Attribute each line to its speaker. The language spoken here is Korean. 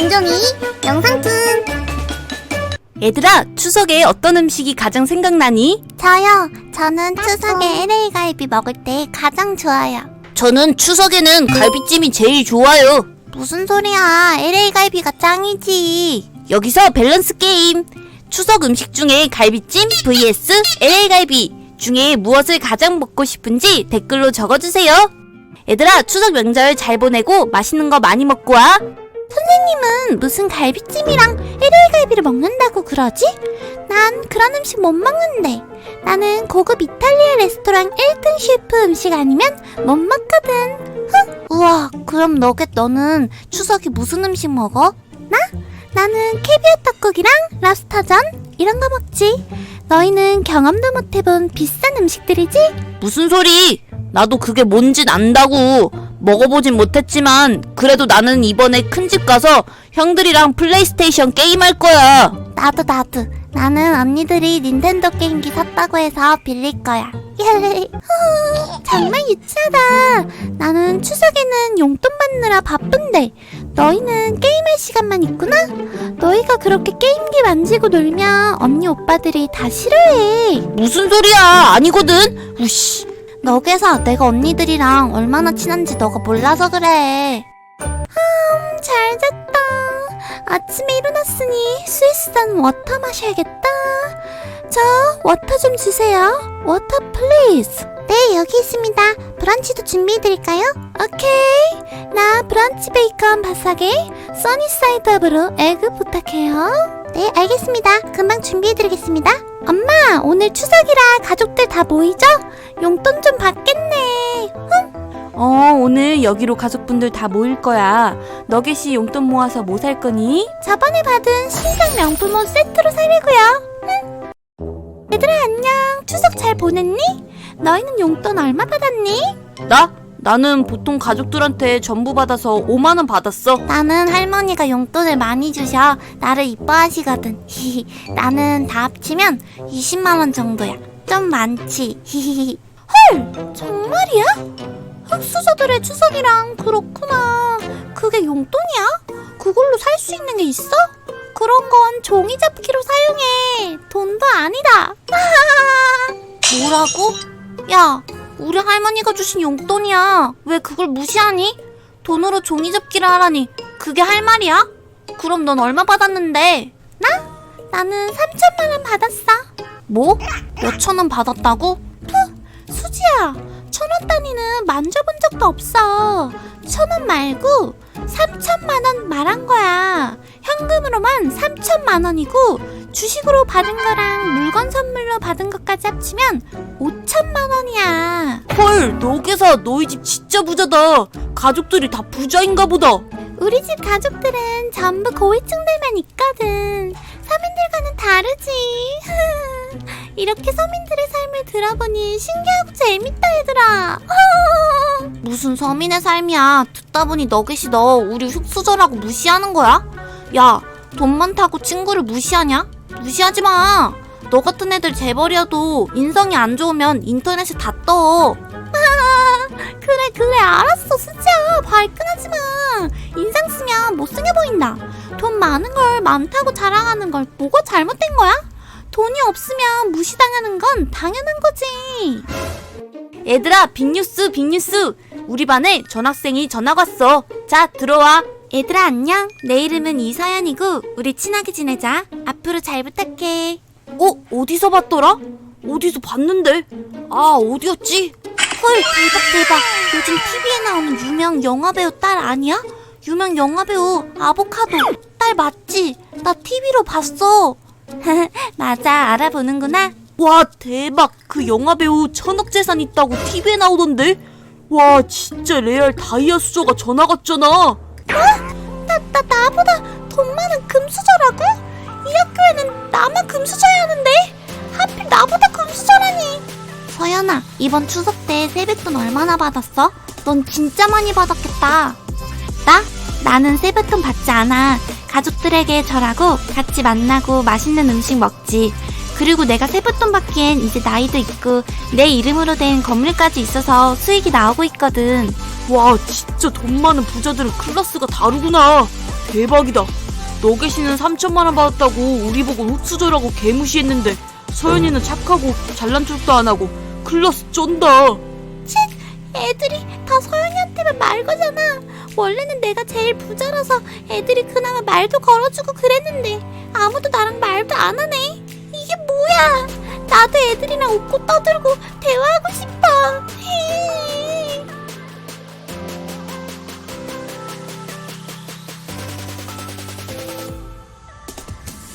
Speaker 1: 김종이 영상툰.
Speaker 2: 얘들아, 추석에 어떤 음식이 가장 생각나니?
Speaker 1: 저는 추석에 LA 갈비 먹을 때 가장 좋아요.
Speaker 2: 저는 추석에는 갈비찜이 제일 좋아요.
Speaker 1: 무슨 소리야, LA 갈비가 짱이지.
Speaker 2: 여기서 밸런스 게임. 추석 음식 중에 갈비찜 vs LA 갈비 중에 무엇을 가장 먹고 싶은지 댓글로 적어주세요. 얘들아, 추석 명절 잘 보내고 맛있는 거 많이 먹고 와.
Speaker 1: 선생님은 무슨 갈비찜이랑 LA 갈비를 먹는다고 그러지? 난 그런 음식 못 먹는데. 나는 고급 이탈리아 레스토랑 1등 셰프 음식 아니면 못 먹거든. 우와, 그럼 너는 추석에 무슨 음식 먹어? 나는 캐비어 떡국이랑 랍스터전 이런 거 먹지. 너희는 경험도 못 해본 비싼 음식들이지?
Speaker 2: 무슨 소리? 나도 그게 뭔진 안다고. 먹어보진 못했지만 그래도 나는 이번에 큰집 가서 형들이랑 플레이스테이션 게임할 거야.
Speaker 1: 나도. 나는 언니들이 닌텐도 게임기 샀다고 해서 빌릴 거야. 정말 유치하다. 나는 추석에는 용돈 받느라 바쁜데 너희는 게임할 시간만 있구나? 너희가 그렇게 게임기 만지고 놀면 언니 오빠들이 다 싫어해.
Speaker 2: 무슨 소리야? 아니거든. 우씨.
Speaker 1: 너게서 내가 언니들이랑 얼마나 친한지 너가 몰라서 그래. 잘 잤다. 아침에 일어났으니 스위스산 워터 마셔야겠다. 저 워터 좀 주세요. 워터 플리즈. 네, 여기 있습니다. 브런치도 준비해드릴까요? 오케이. 나 브런치 베이컨 바삭에 써니사이드업으로 에그 부탁해요. 네, 알겠습니다. 금방 준비해드리겠습니다. 엄마, 오늘 추석이라 가족들 다 모이죠? 용돈 좀 받겠네.
Speaker 2: 오늘 여기로 가족분들 다 모일 거야. 너겟이 용돈 모아서 뭐 살 거니?
Speaker 1: 저번에 받은 신상 명품 옷 세트로 사려고요. 얘들아, 안녕. 추석 잘 보냈니? 너희는 용돈 얼마 받았니?
Speaker 2: 나는 보통 가족들한테 전부 받아서 5만 원 받았어.
Speaker 1: 나는 할머니가 용돈을 많이 주셔 나를 이뻐하시거든. 나는 다 합치면 20만 원 정도야. 좀 많지. 헐, 정말이야? 흑수저들의 추석이랑 그렇구나. 그게 용돈이야? 그걸로 살 수 있는 게 있어? 그런 건 종이 접기로 사용해. 돈도 아니다. 뭐라고? 야, 우리 할머니가 주신 용돈이야. 왜 그걸 무시하니? 돈으로 종이 접기를 하라니 그게 할 말이야? 그럼 넌 얼마 받았는데? 나는 3천만 원 받았어. 뭐? 몇천 원 받았다고? 수지야, 1,000원 단위는 만져본 적도 없어. 1,000원 말고 3천만 원 말한 거야. 현금으로만 3천만 원이고 주식으로 받은 거랑 물건 선물로 받은 것까지 합치면 5천만 원이야.
Speaker 2: 헐, 너겟아, 너희 집 진짜 부자다. 가족들이 다 부자인가 보다.
Speaker 1: 우리 집 가족들은 전부 고위층들만 있거든. 서민들과는 다르지. 이렇게 서민들의 삶을 들어보니 신기하고 재밌다, 얘들아. 무슨 서민의 삶이야. 듣다 보니 너겟이 너 우리 흑수저라고 무시하는 거야? 야, 돈 많다고 친구를 무시하냐? 무시하지 마. 너 같은 애들 재벌이어도 인성이 안 좋으면 인터넷에 다 떠. 그래, 알았어, 수지야. 발끈하지 마. 인상 쓰면 못생겨 보인다. 돈 많은 걸 많다고 자랑하는 걸 뭐가 잘못된 거야? 돈이 없으면 무시당하는 건 당연한 거지.
Speaker 2: 얘들아, 빅뉴스. 우리 반에 전학생이 전학 왔어. 자, 들어와.
Speaker 1: 얘들아, 안녕. 내 이름은 이서연이고 우리 친하게 지내자. 앞으로 잘 부탁해.
Speaker 2: 어디서 봤더라? 어디서 봤는데? 어디였지?
Speaker 1: 헐, 대박. 요즘 TV에 나오는 유명 영화배우 딸 아니야? 유명 영화배우 아보카도 딸 맞지? 나 TV로 봤어. 맞아, 알아보는구나.
Speaker 2: 와, 대박. 그 영화배우 1,000억 재산 있다고 TV에 나오던데? 와, 진짜 레알 다이아 수저가 전화 갔잖아.
Speaker 1: 나보다 돈 많은 금수저라고? 이 학교에는 나만 금수저야 하는데? 하필 나보다 금수저라니. 서연아, 이번 추석 때 세뱃돈 얼마나 받았어? 넌 진짜 많이 받았겠다. 나는 세뱃돈 받지 않아. 가족들에게 절하고 같이 만나고 맛있는 음식 먹지. 그리고 내가 세뱃돈 받기엔 이제 나이도 있고 내 이름으로 된 건물까지 있어서 수익이 나오고 있거든.
Speaker 2: 와, 진짜 돈 많은 부자들은 클래스가 다르구나. 대박이다.
Speaker 3: 너겟이는 3천만 원 받았다고 우리 보고 흙수저라고 개무시했는데 서연이는 착하고 잘난 척도 안 하고 클라스 쫀다.
Speaker 1: 애들이 다 서연이한테만 말 거잖아. 원래는 내가 제일 부자라서 애들이 그나마 말도 걸어주고 그랬는데 아무도 나랑 말도 안 하네. 이게 뭐야? 나도 애들이랑 웃고 떠들고 대화하고 싶어.